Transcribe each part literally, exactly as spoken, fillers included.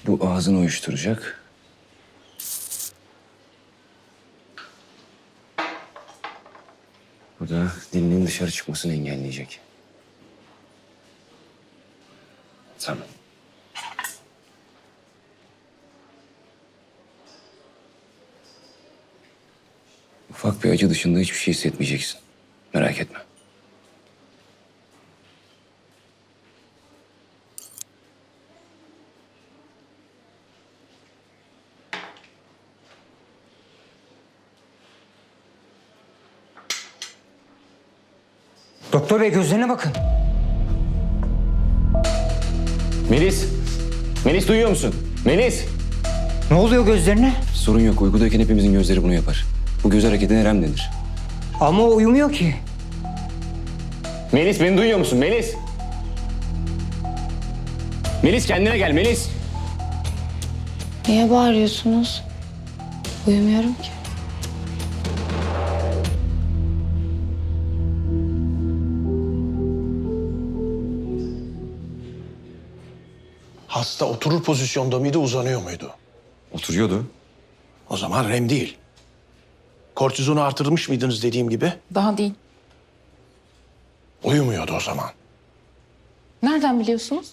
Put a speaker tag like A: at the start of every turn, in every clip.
A: Bu ağzını uyuşturacak. Bu da dilinin dışarı çıkmasını engelleyecek. Tamam. Ufak bir acı dışında hiçbir şey hissetmeyeceksin. Merak etme.
B: Doktor bey gözlerine bakın.
A: Melis! Melis duyuyor musun? Melis!
B: Ne oluyor gözlerine?
A: Sorun yok. Uykudayken hepimizin gözleri bunu yapar. Bu göz hareketine REM denir.
B: Ama o uyumuyor ki.
A: Melis beni duyuyor musun? Melis! Melis kendine gel Melis!
C: Niye bağırıyorsunuz? Uyumuyorum ki.
D: Hasta oturur pozisyonda mıydı, uzanıyor muydu?
A: Oturuyordu.
D: O zaman REM değil. Kortizonu artırmış mıydınız dediğim gibi?
E: Daha değil.
D: Uyumuyordu o zaman.
E: Nereden biliyorsunuz?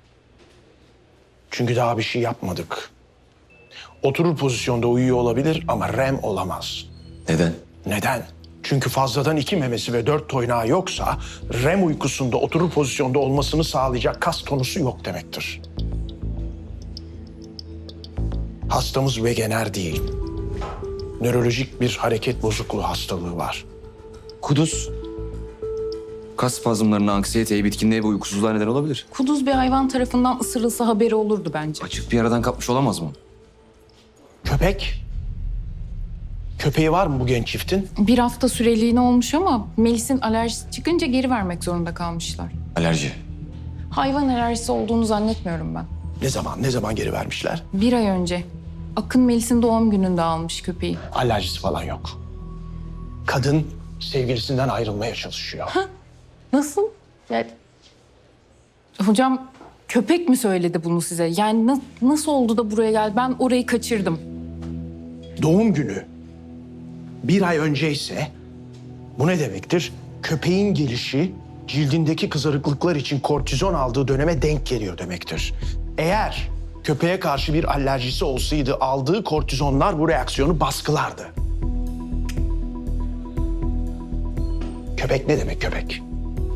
D: Çünkü daha bir şey yapmadık. Oturur pozisyonda uyuyor olabilir ama REM olamaz.
A: Neden?
D: Neden? Çünkü fazladan iki memesi ve dört toynağı yoksa REM uykusunda oturur pozisyonda olmasını sağlayacak kas tonusu yok demektir. Hastamız vegener değil. Nörolojik bir hareket bozukluğu hastalığı var.
A: Kuduz. Kas spazmlarına, anksiyeteye, bitkinliğe ve uykusuzluğa neden olabilir.
E: Kuduz bir hayvan tarafından ısırılsa haberi olurdu bence.
A: Açık bir yaradan kapmış olamaz mı?
D: Köpek? Köpeği var mı bu genç çiftin?
E: Bir hafta süreliğine olmuş ama Melis'in alerjisi çıkınca geri vermek zorunda kalmışlar.
A: Alerji.
E: Hayvan alerjisi olduğunu zannetmiyorum ben.
D: Ne zaman, ne zaman geri vermişler?
E: Bir ay önce. Akın Melis'in doğum gününde almış köpeği.
D: Alerjisi falan yok. Kadın sevgilisinden ayrılmaya çalışıyor.
E: Nasıl? Yani... Hocam köpek mi söyledi bunu size? Yani na- nasıl oldu da buraya geldi? Ben orayı kaçırdım.
D: Doğum günü bir ay önceyse bu ne demektir? Köpeğin gelişi cildindeki kızarıklıklar için kortizon aldığı döneme denk geliyor demektir. Eğer köpeğe karşı bir alerjisi olsaydı aldığı kortizonlar bu reaksiyonu baskılardı. Köpek ne demek köpek?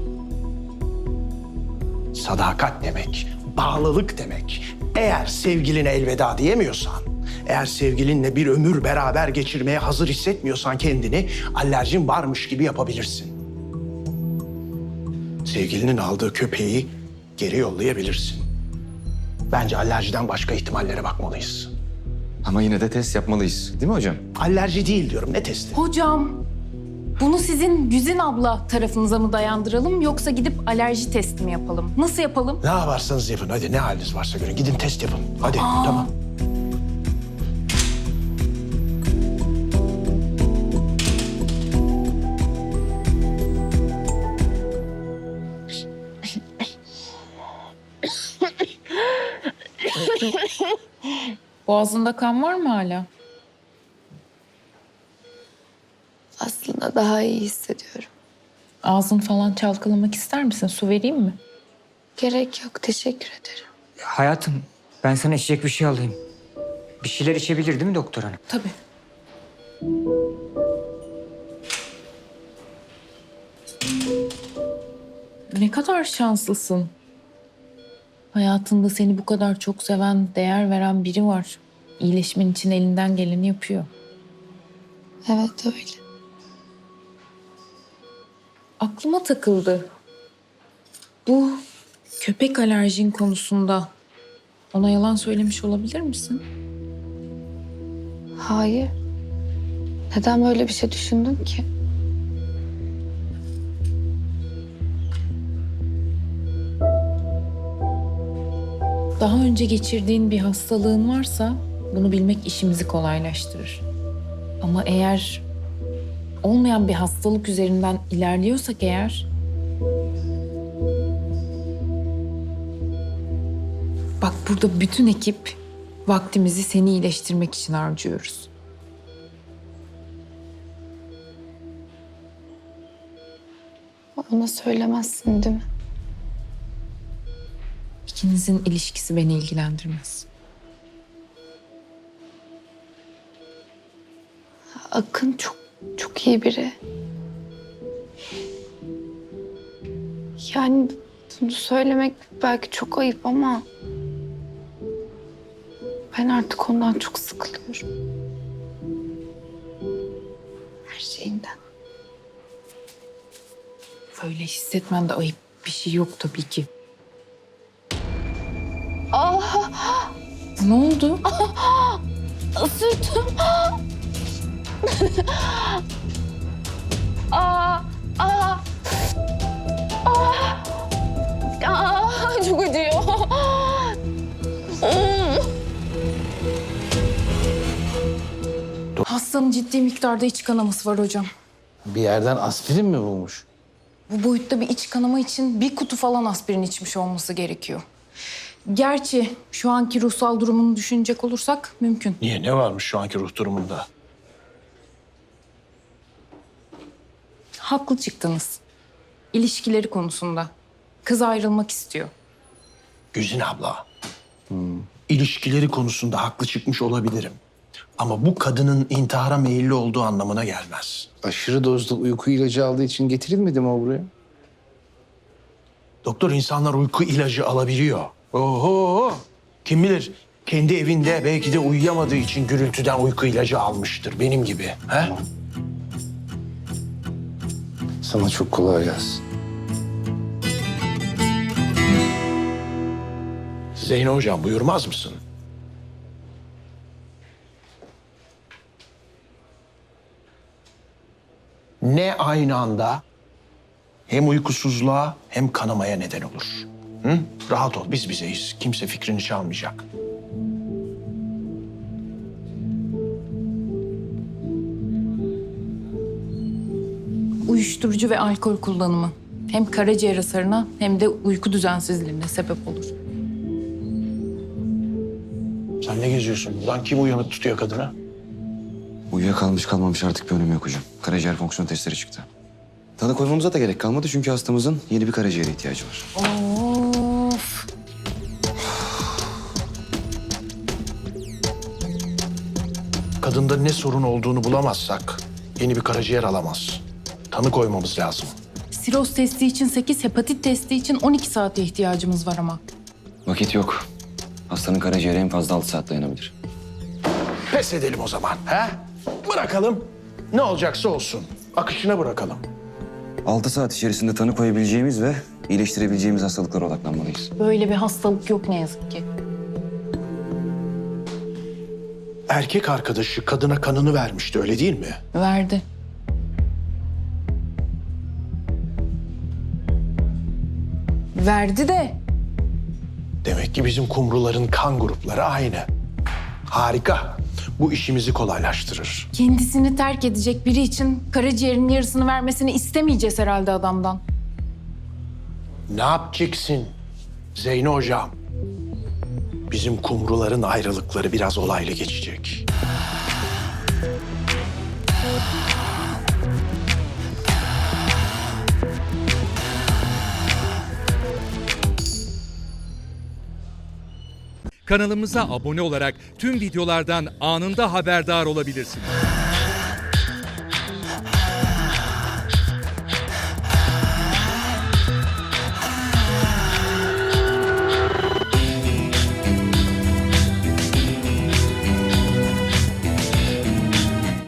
D: Sadakat demek, bağlılık demek. Eğer sevgiline elveda diyemiyorsan, eğer sevgilinle bir ömür beraber geçirmeye hazır hissetmiyorsan kendini alerjin varmış gibi yapabilirsin. Sevgilinin aldığı köpeği geri yollayabilirsin. Bence alerjiden başka ihtimallere bakmalıyız.
A: Ama yine de test yapmalıyız. Değil mi hocam?
D: Alerji değil diyorum, ne testi?
E: Hocam bunu sizin Güzin abla tarafınıza mı dayandıralım yoksa gidip alerji testi mi yapalım? Nasıl yapalım?
D: Ne yaparsanız yapın, hadi ne haliniz varsa görün. Gidin test yapın, hadi tamam.
E: Boğazında kan var mı hala?
C: Aslında daha iyi hissediyorum.
E: Ağzın falan çalkalamak ister misin? Su vereyim mi?
C: Gerek yok, teşekkür ederim.
B: Hayatım ben sana içecek bir şey alayım. Bir şeyler içebilir değil mi doktor hanım?
E: Tabii. Ne kadar şanslısın. Hayatında seni bu kadar çok seven, değer veren biri var. İyileşmen için elinden geleni yapıyor.
C: Evet öyle.
E: Aklıma takıldı. Bu köpek alerjin konusunda ona yalan söylemiş olabilir misin?
C: Hayır. Neden böyle bir şey düşündün ki?
E: Daha önce geçirdiğin bir hastalığın varsa bunu bilmek işimizi kolaylaştırır. Ama eğer olmayan bir hastalık üzerinden ilerliyorsak eğer... Bak burada bütün ekip Vaktimizi seni iyileştirmek için harcıyoruz.
C: Ona söylemezsin değil mi?
E: İkinizin ilişkisi beni ilgilendirmez.
C: Akın çok çok iyi biri. Yani bunu söylemek belki çok ayıp ama ben artık ondan çok sıkılıyorum. Her şeyinden.
E: Böyle hissetmen de ayıp bir şey yok tabii ki.
C: Ah,
E: Ne oldu?
C: ısırdım. Aa, aa, aa, aa, çok acıyor.
E: Hastanın ciddi miktarda iç kanaması var hocam.
F: Bir yerden aspirin mi bulmuş?
E: Bu boyutta bir iç kanama için bir kutu falan aspirin içmiş olması gerekiyor. Gerçi şu anki ruhsal durumunu düşünecek olursak mümkün.
D: Niye? Ne varmış şu anki ruh durumunda?
E: Haklı çıktınız. İlişkileri konusunda. Kız ayrılmak istiyor.
D: Güzin abla. İlişkileri konusunda haklı çıkmış olabilirim. Ama bu kadının intihara meyilli olduğu anlamına gelmez.
F: Aşırı dozda uyku ilacı aldığı için getirilmedi mi o buraya?
D: Doktor, insanlar uyku ilacı alabiliyor. Oho! Kim bilir, kendi evinde belki de uyuyamadığı için gürültüden uyku ilacı almıştır. Benim gibi. He?
F: Sana çok kolay gelsin.
D: Zeyno hocam, buyurmaz mısın? Ne aynı anda hem uykusuzluğa hem kanamaya neden olur. Hı? Rahat ol, biz bizeyiz. Kimse fikrini çalmayacak.
E: Uyuşturucu ve alkol kullanımı. Hem karaciğer hasarına hem de uyku düzensizliğine sebep olur.
D: Sen ne geziyorsun buradan? Kim uyanık tutuyor kadını?
A: Uyuyakalmış kalmamış artık bir önemi yok hocam. Karaciğer fonksiyon testleri çıktı. Tanı koymamıza da gerek kalmadı çünkü hastamızın yeni bir karaciğere ihtiyacı var.
E: Of.
D: Kadında ne sorun olduğunu bulamazsak yeni bir karaciğer alamaz. Tanı koymamız lazım.
E: Siroz testi için sekiz, hepatit testi için on iki saate ihtiyacımız var ama.
A: Vakit yok. Hastanın karaciğeri en fazla altı saat dayanabilir.
D: Pes edelim o zaman. He? Bırakalım. Ne olacaksa olsun. Akışına bırakalım.
A: altı saat içerisinde tanı koyabileceğimiz ve iyileştirebileceğimiz hastalıklara odaklanmalıyız.
E: Böyle bir hastalık yok ne yazık ki.
D: Erkek arkadaşı kadına kanını vermişti, öyle değil mi?
E: Verdi. Verdi de
D: Demek ki bizim kumruların kan grupları aynı. Harika. Bu işimizi kolaylaştırır.
E: kendisini terk edecek biri için karaciğerinin yarısını vermesini istemeyeceğiz herhalde adamdan.
D: Ne yapacaksın Zeyno hocam? Bizim kumruların ayrılıkları biraz olaylı geçecek.
G: Kanalımıza abone olarak tüm videolardan anında haberdar olabilirsiniz.